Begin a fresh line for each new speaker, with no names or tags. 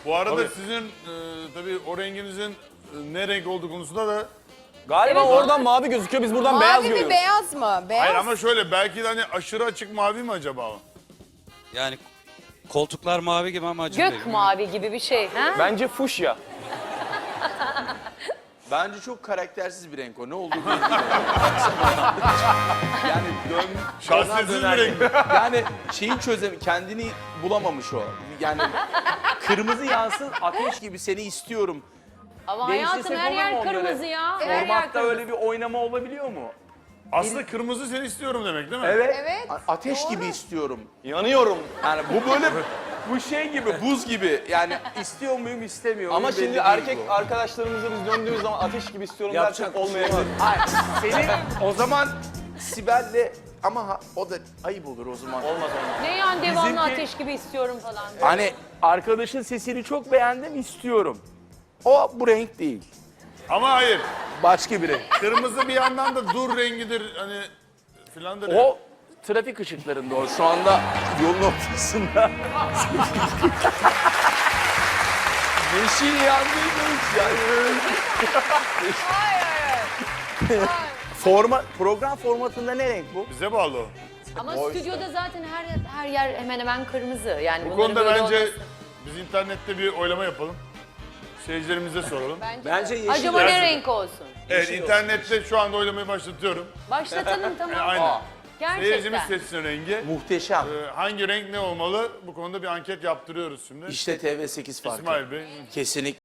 Bu arada
Tabii.
sizin tabii o renginizin ne renk olduğu konusunda da...
Galiba
Evet,
oradan mavi gözüküyor, biz buradan beyaz
Mavi mi
görüyoruz.
beyaz mı? Beyaz.
Hayır ama şöyle belki de hani aşırı açık mavi mi acaba o?
Yani koltuklar mavi gibi ama acı değil.
Gök mavi gibi bir şey. Ha?
Bence fuşya.
Bence çok karaktersiz bir renk o. Ne olduğu belli değil. Yani
Şahsiyetsiz bir renk mi?
yani şeyi kendini bulamamış o. Yani kırmızı yansın, ateş gibi seni istiyorum.
Ama
Değiştirsek
hayatım her
olur mu
yer
onları?
kırmızı ya. Her yer
Formatta
kırmızı.
öyle bir oynama olabiliyor mu?
Aslında kırmızı seni istiyorum demek değil mi?
Evet.
Evet,
Ateş
doğru.
gibi istiyorum.
Yanıyorum.
Yani bu böyle bu şey gibi, buz gibi. Yani istiyor muyum, istemiyor muyum?
Ama
belli
şimdi
değil
erkek
bu.
arkadaşlarımıza biz döndüğümüz zaman ateş gibi istiyorum
Yapacak
dersek
bir şey
olmayabilir.
Hayır, senin o zaman Sibel'le ama o da ayıp olur o zaman.
Olmaz.
Ne yani devamlı
Bizimki-
ateş gibi istiyorum falan.
Hani arkadaşın sesini çok beğendim, istiyorum. O bu renk değil.
Ama hayır.
Başka bir renk.
Kırmızı bir yandan da dur rengidir hani filandır. ya.
O trafik ışıklarında o. Şu anda yolun ortasında. Yeşil yandıymış yani. Program formatında ne renk bu?
Bize bağlı o.
Ama
O
stüdyoda zaten her yer hemen hemen kırmızı. Yani
Bu
bunların
konuda
böyle
bence
olması.
biz internette bir oylama yapalım. Seyircilerimize soralım.
Bence yeşil.
Acaba ne renk olsun?
Evet internette şu anda oylamayı başlatıyorum.
Başlatalım tamam.
Aynen. Seyircimiz
Gerçekten.
seçsin rengi.
Muhteşem.
Hangi renk ne olmalı? Bu konuda bir anket yaptırıyoruz şimdi.
İşte TV8 farkı.
İsmail Bey.
Kesinlikle.